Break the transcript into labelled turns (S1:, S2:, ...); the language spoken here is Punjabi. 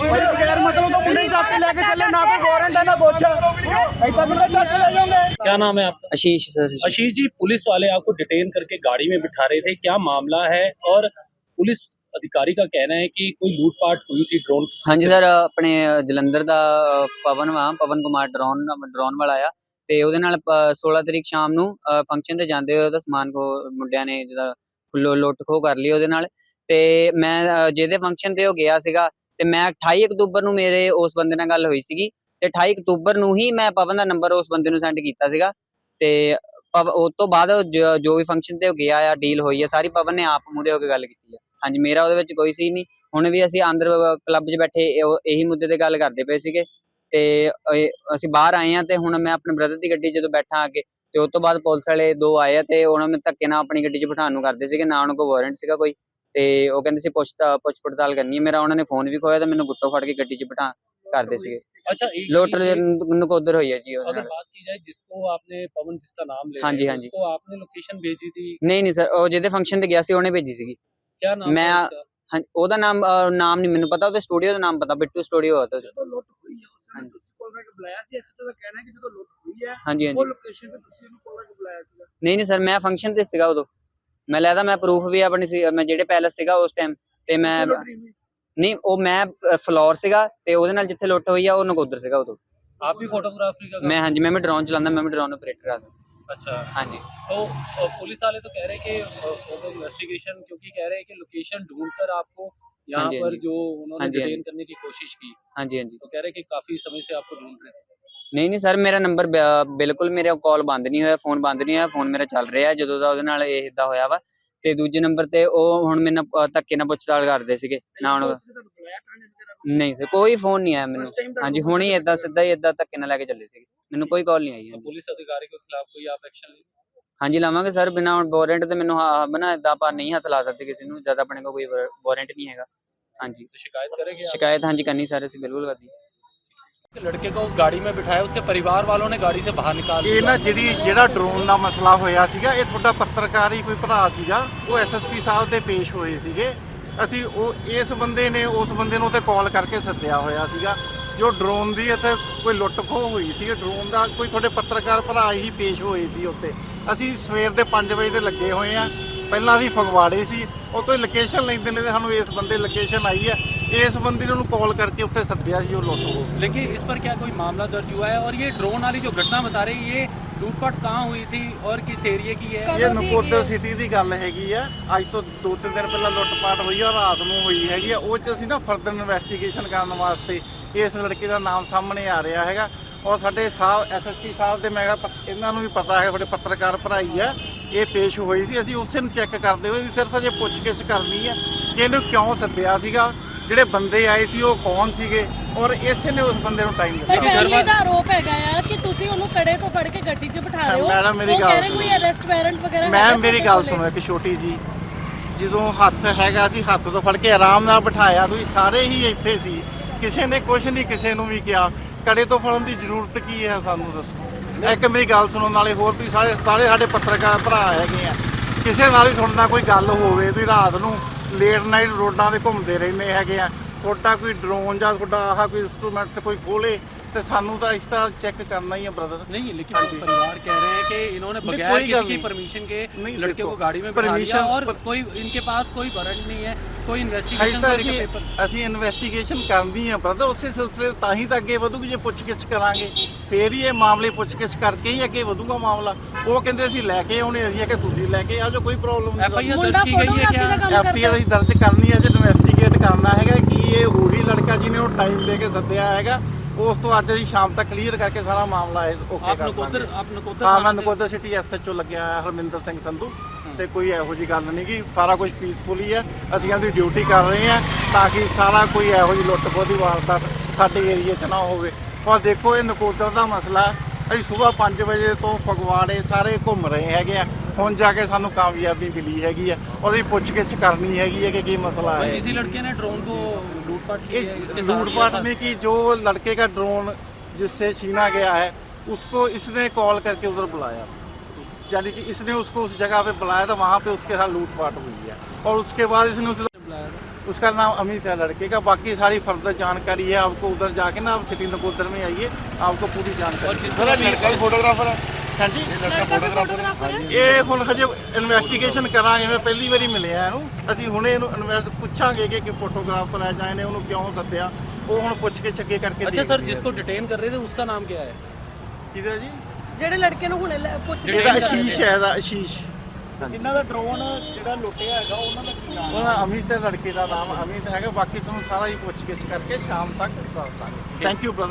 S1: बगैर मतलब तो पुलिस जाके लेके चले, ना कोई वारंट है ना कुछ, ऐसा कितना चक ले जाओगे।
S2: क्या नाम है आपका?
S3: आशीष सर।
S2: आशीष जी, पुलिस वाले आपको डिटेन करके गाड़ी में बिठा रहे थे, क्या मामला है? और पुलिस अधिकारी का कहना है कि कोई लूटपाट हुई थी ड्रोन।
S3: हाँ जी सर, अपने जलंधर ਦਾ ਪਵਨ ਪਵਨ ਕੁਮਾਰ ਡਰੋਨ ਵਾਲਾ ਆ ਤੇ ਉਹਦੇ ਨਾਲ 16 ਤਰੀਕ ਸ਼ਾਮ ਨੂੰ ਫੰਕਸ਼ਨ ਤੇ ਜਾਂਦੇ ਹੋਏ ਉਹਦਾ ਸਮਾਨ ਕੋ ਮੁੰਡਿਆਂ ਨੇ ਜਿਹਦਾ ਲੁੱਟ ਖੋਹ ਕਰ ਲਈ ਉਹਦੇ ਨਾਲ। ਤੇ ਮੈਂ ਜਿਹਦੇ ਫੰਕਸ਼ਨ ਤੇ ਉਹ ਗਿਆ ਸੀਗਾ ਤੇ ਮੈਂ 28 ਅਕਤੂਬਰ ਨੂੰ ਮੇਰੇ ਉਸ ਬੰਦੇ ਨਾਲ ਗੱਲ ਹੋਈ ਸੀਗੀ ਤੇ 28 ਅਕਤੂਬਰ ਨੂੰ ਹੀ ਮੈਂ ਪਵਨ ਦਾ ਨੰਬਰ ਉਸ ਬੰਦੇ ਨੂੰ ਸੈਂਡ ਕੀਤਾ ਸੀਗਾ ਤੇ ਉਸ ਤੋਂ ਬਾਅਦ ਜੋ ਵੀ ਫੰਕਸ਼ਨ ਤੇ ਉਹ ਗਿਆ ਆ ਡੀਲ ਹੋਈ ਆ ਸਾਰੀ ਪਵਨ ਨੇ ਆਪ ਮੂਹਰੇ ਹੋ ਕੇ ਗੱਲ ਕੀਤੀ ਆ। ਹਾਂਜੀ, ਮੇਰਾ ਉਹਦੇ ਵਿੱਚ ਕੋਈ ਸੀ ਨਹੀਂ। ਹੁਣ ਵੀ ਅਸੀਂ ਅੰਦਰ ਕਲੱਬ 'ਚ ਬੈਠੇ ਇਹੀ ਮੁੱਦੇ ਤੇ ਗੱਲ ਕਰਦੇ ਪਏ ਸੀਗੇ ਤੇ ਅਸੀਂ ਬਾਹਰ ਆਏ ਆ ਤੇ ਹੁਣ ਮੈਂ ਆਪਣੇ ਬ੍ਰਦਰ ਦੀ ਗੱਡੀ ਜਦੋਂ ਬੈਠਾ ਆ ਕੇ ਤੇ ਉਸ ਤੋਂ ਬਾਅਦ ਪੁਲਿਸ ਵਾਲੇ 2 ਆਏ ਆ ਤੇ ਉਹਨਾਂ ਨੇ ਧੱਕੇ ਨਾਲ ਆਪਣੀ ਗੱਡੀ 'ਚ ਬਿਠਾਉਣ ਨੂੰ ਕਰਦੇ ਸੀਗੇ, ਨਾ ਉਹਨਾਂ ਕੋਲ ਵਾਰੰਟ ਸੀਗਾ ਕੋਈ ਤੇ ਉਹ ਕਹਿੰਦੇ ਸੀ ਪੁੱਛ ਪੜਤਾਲ ਕਰਨੀ ਹੈ। ਮੇਰਾ ਉਹਨਾਂ ਨੇ ਫੋਨ ਵੀ ਖੋਇਆ ਤੇ ਮੈਨੂੰ ਗੁੱਟੋ ਫੜ ਕੇ ਗੱਡੀ 'ਚ ਬਿਠਾ ਕਰਦੇ ਸੀਗੇ।
S2: अच्छा,
S3: ਲੋਟਰ ਨਕੋਦਰ ਹੋਈ ਹੈ ਜੀ ਉਹਦੇ
S2: अगर
S3: ਨਾਲ।
S2: बात की जाए जिसको आपने पवन जिसका नाम ले
S3: हाँ जी,
S2: रहे हैं,
S3: हाँ जी।
S2: उसको आपने लोकेशन भेजी थी,
S3: ਨਹੀਂ ਸਰ, ਉਹ ਜਿਹਦੇ ਫੰਕਸ਼ਨ ਤੇ ਗਿਆ ਸੀ ਉਹਨੇ ਭੇਜੀ ਸੀਗੀ।
S2: क्या नाम
S3: मैं
S2: था उसका?
S3: ਹਾਂ, ਉਹਦਾ ਨਾਮ ਨਹੀਂ ਮੈਨੂੰ ਪਤਾ, ਉਹਦੇ ਸਟੂਡੀਓ ਦਾ ਨਾਮ ਪਤਾ, ਬਿੱਟੂ ਸਟੂਡੀਓ ਹੋਤਾ।
S1: ਜਦੋਂ ਲੁੱਟ ਹੋਈ ਹੈ ਉਸ ਸਮੇਂ ਤੁਸੀਂ ਕਾਲ ਕਰਕੇ ਬੁਲਾਇਆ ਸੀ, ਐਸਐਚਓ ਦਾ ਕਹਿਣਾ ਹੈ ਕਿ ਜਦੋਂ ਲੁੱਟ ਹੋਈ ਹੈ
S3: ਹਾਂਜੀ
S1: ਉਹ
S3: ਹਾਂਜੀ।
S1: ਲੋਕੇਸ਼ਨ ਤੇ ਤੁਸੀਂ ਉਹਨੂੰ ਕਾਲ ਕਰਕੇ ਬੁਲਾਇਆ ਸੀਗਾ।
S3: ਨਹੀਂ ਸਰ, ਮੈਂ ਫੰਕਸ਼ਨ ਤੇ ਸੀਗਾ ਉਦੋਂ। ਮੈਂ ਲੈਦਾ ਮੈਂ ਪ੍ਰੂਫ ਵੀ ਆਪਣੀ ਸੀ, ਮੈਂ ਜਿਹੜੇ ਪੈਲਸ ਸੀਗਾ ਉਸ ਟਾਈਮ ਤੇ ਮੈਂ ਨਹੀਂ, ਉਹ ਮੈਂ ਫਲੋਰ ਸੀਗਾ ਤੇ ਉਹਦੇ ਨਾਲ ਜਿੱਥੇ ਲੁੱਟ ਹੋਈ ਆ ਉਹ ਨਕੋਦਰ ਸੀਗਾ ਉਦੋਂ।
S2: आप भी फोटोग्राफी का
S3: ਮੈਂ ਹਾਂਜੀ, ਮੈਂ ਡਰੋਨ ਚਲਾਉਂਦਾ, ਮੈਂ ਡਰੋਨ ਆਪਰੇਟਰ ਆ।
S2: अच्छा,
S3: ਹਾਂਜੀ
S2: तो पुलिस वाले तो कह रहे हैं कि फोटो इन्वेस्टिगेशन, क्योंकि कह रहे हैं कि लोकेशन ढूंढकर आपको यहाँ
S3: हाँ जी,
S2: पर
S3: हाँ जी।
S2: जो उन्होंने
S3: हाँ जी, हाँ
S2: डिटेन
S3: जी।
S2: करने की कोशिश की,
S3: ਹਾਂਜੀ ਹਾਂਜੀ।
S2: तो कह रहे हैं कि काफी समय से आपको ढूंढ रहे थे।
S3: ਨਹੀਂ ਸਰ, ਮੇਰਾ ਨੰਬਰ ਬਿਲਕੁਲ ਮੇਰਾ ਕਾਲ ਬੰਦ ਨਹੀਂ ਹੋਇਆ, ਫੋਨ ਬੰਦ ਨਹੀਂ ਹੋਇਆ, ਫੋਨ ਮੇਰਾ ਚੱਲ ਰਿਹਾ ਜਦੋਂ ਦਾ ਉਹਦੇ ਨਾਲ ਇਹ ਇਦਾਂ ਹੋਇਆ ਵਾ। ਤੇ ਦੂਜੇ ਨੰਬਰ ਤੇ ਉਹ ਹੁਣ ਮੈਨੂੰ ਧੱਕੇ ਨਾਲ ਪੁੱਛਤਾਲ ਕਰਦੇ ਸੀਗੇ ਨਾ ਉਹਨਾਂ ਨਹੀਂ ਸਰ, ਕੋਈ ਫੋਨ ਨਹੀਂ ਆਇਆ ਮੈਨੂੰ। ਹਾਂਜੀ, ਹੁਣ ਹੀ ਏਦਾਂ ਸਿੱਧਾ ਹੀ ਏਦਾਂ ਧੱਕੇ ਨਾਲ ਲੈ ਕੇ ਚੱਲੇ ਸੀਗੇ, ਮੈਨੂੰ ਕੋਈ ਕਾਲ ਨਹੀਂ ਆਈ।
S2: तो पुलिस अधिकारी के खिलाफ कोई आप एक्शन लेंगे?
S3: ਹਾਂਜੀ ਲਾਵਾਂਗੇ ਸਰ, ਬਿਨਾਂ ਵਾਰੰਟ ਤੇ ਮੈਨੂੰ ਬਣਾ ਏਦਾਂ ਆਪਾਂ ਨਹੀਂ ਹੱਥ ਲਾ ਸਕਦੇ ਕਿਸੇ ਨੂੰ, ਜਦ ਆਪਣੇ ਕੋਲ ਕੋਈ ਵਾਰੰਟ ਨਹੀਂ ਹੈਗਾ। ਹਾਂਜੀ,
S2: तो शिकायत करेंगे आप?
S3: ਸ਼ਿਕਾਇਤ ਹਾਂਜੀ ਕਰਨੀ ਸਰ, ਅਸੀਂ ਬਿਲਕੁਲ ਕਰਦੀ।
S2: लड़के को गाड़ी में बिठाया, उसके परिवार वालों ने गाड़ी से बाहर निकाल
S4: ਇਹ ਨਾ ਜਿਹੜਾ ਡਰੋਨ ਦਾ ਮਸਲਾ ਹੋਇਆ ਸੀਗਾ, ਇਹ ਤੁਹਾਡਾ ਪੱਤਰਕਾਰ ਹੀ ਕੋਈ ਭਰਾ ਸੀਗਾ, ਉਹ ਐਸਐਸਪੀ ਸਾਹਿਬ ਦੇ ਪੇਸ਼ ਹੋਏ ਸੀਗੇ। ਅਸੀਂ ਉਹ ਇਸ ਬੰਦੇ ਨੇ ਉਸ ਬੰਦੇ ਨੂੰ ਤੇ ਕਾਲ ਕਰਕੇ ਸੱਦਿਆ ਹੋਇਆ ਸੀਗਾ ਜੋ ਡਰੋਨ ਦੀ ਇੱਥੇ ਕੋਈ ਲੁੱਟ ਖੋਹ ਹੋਈ ਸੀ। ਡਰੋਨ ਦਾ ਕੋਈ ਤੁਹਾਡੇ ਪੱਤਰਕਾਰ ਭਰਾ ਹੀ ਪੇਸ਼ ਹੋਏ ਸੀ ਉੱਤੇ। ਅਸੀਂ ਸਵੇਰ ਦੇ 5 ਵਜੇ ਦੇ ਲੱਗੇ ਹੋਏ ਆ, ਪਹਿਲਾਂ ਅਸੀਂ ਫਗਵਾੜੇ ਸੀ, ਉਹ ਤੋਂ ਲੋਕੇਸ਼ਨ ਲੈਂਦੇ ਨੇ, ਸਾਨੂੰ ਇਸ ਬੰਦੇ ਲੋਕੇਸ਼ਨ ਆਈ ਹੈ, ਇਸ ਬੰਦੇ ਨੂੰ ਕਾਲ ਕਰਕੇ ਉੱਥੇ ਸੱਦਿਆ ਸੀ ਉਹ ਲੁੱਟ ਖੋਹ।
S2: लेकिन इस पर क्या कोई मामला दर्ज हुआ है? और ये ड्रोन वाली जो घटना बता रही है, ये लूटपाट कहाँ हुई थी और किस एरिया की है?
S4: ਇਹ ਨਕੋਦਰ ਸਿਟੀ ਦੀ ਗੱਲ ਹੈਗੀ ਆ। ਅੱਜ ਤੋਂ 2-3 ਦਿਨ ਪਹਿਲਾਂ ਲੁੱਟਪਾਟ ਹੋਈ ਆ, ਰਾਤ ਨੂੰ ਹੋਈ ਹੈਗੀ ਆ। ਉਹ 'ਚ ਅਸੀਂ ਨਾ ਫਰਦਰ ਇਨਵੈਸਟੀਗੇਸ਼ਨ ਕਰਨ ਵਾਸਤੇ ਇਸ ਲੜਕੇ ਦਾ ਨਾਮ ਸਾਹਮਣੇ ਆ ਰਿਹਾ ਹੈਗਾ ਔਰ ਸਾਡੇ ਸਾਹਿਬ ਐਸਐਸਪੀ ਸਾਹਿਬ ਦੇ ਮੈਂ ਕਿਹਾ ਇਹਨਾਂ ਨੂੰ ਵੀ ਪਤਾ ਹੈ, ਤੁਹਾਡੇ ਪੱਤਰਕਾਰ ਭਰਾਈ ਆ, ਇਹ ਪੇਸ਼ ਹੋਈ ਸੀ। ਅਸੀਂ ਉਸੇ ਨੂੰ ਚੈੱਕ ਕਰਦੇ ਹੋਏ ਸਿਰਫ ਅਜੇ ਪੁੱਛਗਿੱਛ ਕਰਨੀ ਹੈ ਕਿ ਇਹਨੂੰ ਕਿਉਂ ਸੱਦਿਆ ਸੀਗਾ, ਜਿਹੜੇ ਬੰਦੇ ਆਏ ਸੀ ਉਹ ਕੌਣ ਸੀਗੇ ਔਰ ਇਸੇ ਨੇ ਉਸ ਬੰਦੇ ਨੂੰ ਟਾਈਮ ਦਿੱਤਾ।
S5: ਫੈਮਿਲੀ ਦਾ ਆਰੋਪ ਹੈਗਾ ਆ ਕਿ ਤੁਸੀਂ ਉਹਨੂੰ ਕੜੇ ਤੋਂ ਫੜ ਕੇ ਗੱਡੀ 'ਚ ਬਿਠਾ ਰਹੇ ਹੋ।
S4: ਮੈਡਮ ਮੇਰੀ
S5: ਉਹ
S4: ਗੱਲ
S5: ਕਹਿ ਰਹੇ ਕੋਈ ਅਰੈਸਟ ਵਾਰੰਟ ਵਗੈਰਾ
S4: ਮੈਂ ਮੇਰੀ ਗੱਲ ਸੁਣੋ ਇੱਕ ਛੋਟੀ ਜੀ, ਜਦੋਂ ਹੱਥ ਹੈਗਾ ਸੀ ਹੱਥ ਤੋਂ ਫੜ ਕੇ ਆਰਾਮ ਨਾਲ ਬਿਠਾਇਆ, ਤੁਸੀਂ ਸਾਰੇ ਹੀ ਇੱਥੇ ਸੀ, ਕਿਸੇ ਨੇ ਕੁਝ ਨਹੀਂ ਕਿਸੇ ਨੂੰ ਵੀ ਕਿਹਾ। ਕੜੇ ਤੋਂ ਫੜਨ ਦੀ ਜ਼ਰੂਰਤ ਕੀ ਹੈ ਸਾਨੂੰ ਦੱਸੋ। ਇੱਕ ਮੇਰੀ ਗੱਲ ਸੁਣੋ, ਨਾਲੇ ਹੋਰ ਤੁਸੀਂ ਸਾਰੇ ਸਾਡੇ ਪੱਤਰਕਾਰ ਭਰਾ ਹੈਗੇ ਆ, ਕਿਸੇ ਨਾਲ ਹੀ ਤੁਹਾਡੇ ਨਾਲ ਕੋਈ ਗੱਲ ਹੋਵੇ, ਤੁਸੀਂ ਰਾਤ ਨੂੰ ਲੇਟ ਨਾਈਟ ਰੋਡਾਂ 'ਤੇ ਘੁੰਮਦੇ ਰਹਿੰਦੇ ਹੈਗੇ ਆ, ਤੁਹਾਡਾ ਕੋਈ ਡਰੋਨ ਜਾਂ ਤੁਹਾਡਾ ਆਹ ਕੋਈ ਇੰਸਟਰੂਮੈਂਟ ਤੇ ਕੋਈ ਖੋਲੇ ਤੇ ਸਾਨੂੰ ਤਾਂ ਇਸ ਤਰ੍ਹਾਂ ਚੈੱਕ ਕਰਨਾ ਹੀ ਹੈ ब्रदर।
S2: नहीं, लेकिन परिवार कह रहे हैं कि इन्होंने बगैर किसी की परमिशन के लड़के को गाड़ी में बिठा दिया और कोई इनके पास कोई वारंट नहीं है, कोई इन्वेस्टिगेशन
S4: ਅਸੀਂ ਇਨਵੈਸਟੀਗੇਸ਼ਨ ਕਰਨੀ ਹੈ ਬ੍ਰਦਰ, ਉਸੇ ਸਿਲਸਿਲੇ ਤਾਂ ਹੀ ਤਾਂ ਅੱਗੇ ਵਧੂਗੀ। ਜੇ ਪੁੱਛਗਿੱਛ ਕਰਾਂਗੇ ਫੇਰ ਹੀ ਇਹ ਮਾਮਲੇ ਪੁੱਛਗਿੱਛ ਕਰਕੇ ਹੀ ਅੱਗੇ ਵਧੂਗਾ ਮਾਮਲਾ। ਉਹ ਕਹਿੰਦੇ ਅਸੀਂ ਲੈ ਕੇ ਆਉਣੇ, ਅਸੀਂ ਕਿ ਤੁਸੀਂ ਲੈ ਕੇ ਆ ਜਾਓ, ਕੋਈ ਪ੍ਰੋਬਲਮ ਨਹੀਂ।
S2: FIR दर्ज की गई है क्या?
S4: FIR ਅਸੀਂ ਦਰਜ ਕਰਨੀ ਹੈ, ਜੇ ਇਨਵੈਸਟੀਗੇਟ ਕਰਨਾ ਹੈਗਾ ਕਿ ਇਹ ਉਹੀ ਲੜਕਾ ਜਿਹਨੇ ਉਹ ਟਾਈਮ ਦੇ ਕੇ ਸੱਦਿਆ ਹੈਗਾ। ਉਸ ਤੋਂ ਅੱਜ ਅਸੀਂ ਸ਼ਾਮ ਤੱਕ ਕਲੀਅਰ ਕਰਕੇ ਸਾਰਾ ਮਾਮਲਾ ਓਕੇ ਕਰ ਦਾਂਗੇ। ਹਾਂ, ਮੈਂ ਨਕੋਦਰ ਸਿਟੀ ਐਸਐਚਓ ਲੱਗਿਆ ਹੋਇਆ ਹਰਮਿੰਦਰ ਸਿੰਘ ਸੰਧੂ, ਤੇ ਕੋਈ ਇਹੋ ਜਿਹੀ ਗੱਲ ਨਹੀਂ ਗੀ, ਸਾਰਾ ਕੁਝ ਪੀਸਫੁਲੀ ਹੈ। ਅਸੀਂ ਇਹਦੀ ਡਿਊਟੀ ਕਰ ਰਹੇ ਹਾਂ ਤਾਂ ਕਿ ਸਾਰਾ ਕੋਈ ਇਹੋ ਜਿਹੀ ਲੁੱਟ ਖੋਹ ਦੀ ਵਾਰਦਾਤ ਸਾਡੇ ਏਰੀਏ 'ਚ ਨਾ ਹੋਵੇ। ਔਰ ਦੇਖੋ, ਇਹ ਨਕੋਦਰ ਦਾ ਮਸਲਾ, ਅਸੀਂ ਸਵੇਰ 5 ਵਜੇ ਤੋਂ ਫਗਵਾੜੇ ਸਾਰੇ ਘੁੰਮ ਰਹੇ ਹੈਗੇ ਆ, ਹੁਣ ਜਾ ਕੇ ਸਾਨੂੰ ਕਾਮਯਾਬੀ ਮਿਲੀ ਹੈਗੀ ਆ ਔਰ ਇਹ ਪੁੱਛਗਿੱਛ ਕਰਨੀ ਹੈਗੀ ਹੈ कि ਕੀ ਮਸਲਾ है।
S2: इसी लड़के ने ड्रोन को लूटपाट की है, इसके साथ
S4: लूटपाट में कि जो लड़के का ड्रोन जिससे छीना गया है उसको इसने कॉल करके उधर बुलाया, यानी कि इसने उसको उस जगह पे बुलाया था, वहाँ पे उसके साथ लूटपाट हुई है और उसके बाद इसने उसे
S2: बुलाया था।
S4: उसका नाम अमित है लड़के का। बाकी सारी फर्दर जानकारी है आपको उधर जाके ना, आप सिटी नकोदर में आइए, आपको पूरी जानकारी।
S1: लड़का भी फोटोग्राफर है।
S4: हाँ जी, ये ਹੁਣ ਹਜੇ ਇਨਵੈਸਟੀਗੇਸ਼ਨ ਕਰਾਂਗੇ। ਮੈਂ ਪਹਿਲੀ ਵਾਰੀ ਮਿਲਿਆ ਇਹਨੂੰ, ਅਸੀਂ ਹੁਣੇ ਇਹਨੂੰ ਪੁੱਛਾਂਗੇ ਕਿ ਫੋਟੋਗ੍ਰਾਫਰ ਹੈ ਜਾਂ ਇਹਨੇ ਉਹਨੂੰ ਕਿਉਂ ਸੱਦਿਆ, ਉਹ ਹੁਣ ਪੁੱਛ ਕੇ ਛੱਕੇ ਕਰਕੇ।
S2: अच्छा सर, जिसको डिटेन कर रहे थे उसका नाम क्या है?
S4: ਕਿਹਦਾ ਜੀ?
S5: ਜਿਹੜੇ ਲੜਕੇ ਨੂੰ ਹੁਣੇ ਪੁੱਛ ਰਹੇ
S4: ਇਹਦਾ ਆਸ਼ੀਸ਼ ਹੈ, ਇਹਦਾ ਆਸ਼ੀਸ਼।
S1: ਇਹਨਾਂ ਦਾ ਡਰੋਨ ਜਿਹੜਾ ਲੁੱਟਿਆ ਹੈਗਾ ਉਹਨਾਂ ਦਾ ਕੀ ਨਾਮ?
S4: ਉਹਦਾ ਅਮਿਤ ਹੈ, ਲੜਕੇ ਦਾ ਨਾਮ ਅਮਿਤ ਹੈਗਾ। ਬਾਕੀ ਤੁਹਾਨੂੰ ਸਾਰਾ ਹੀ ਪੁੱਛ ਗਿੱਛ ਕਰਕੇ ਸ਼ਾਮ ਤੱਕ ਦੱਸ ਦਾਂਗੇ। Thank you brother.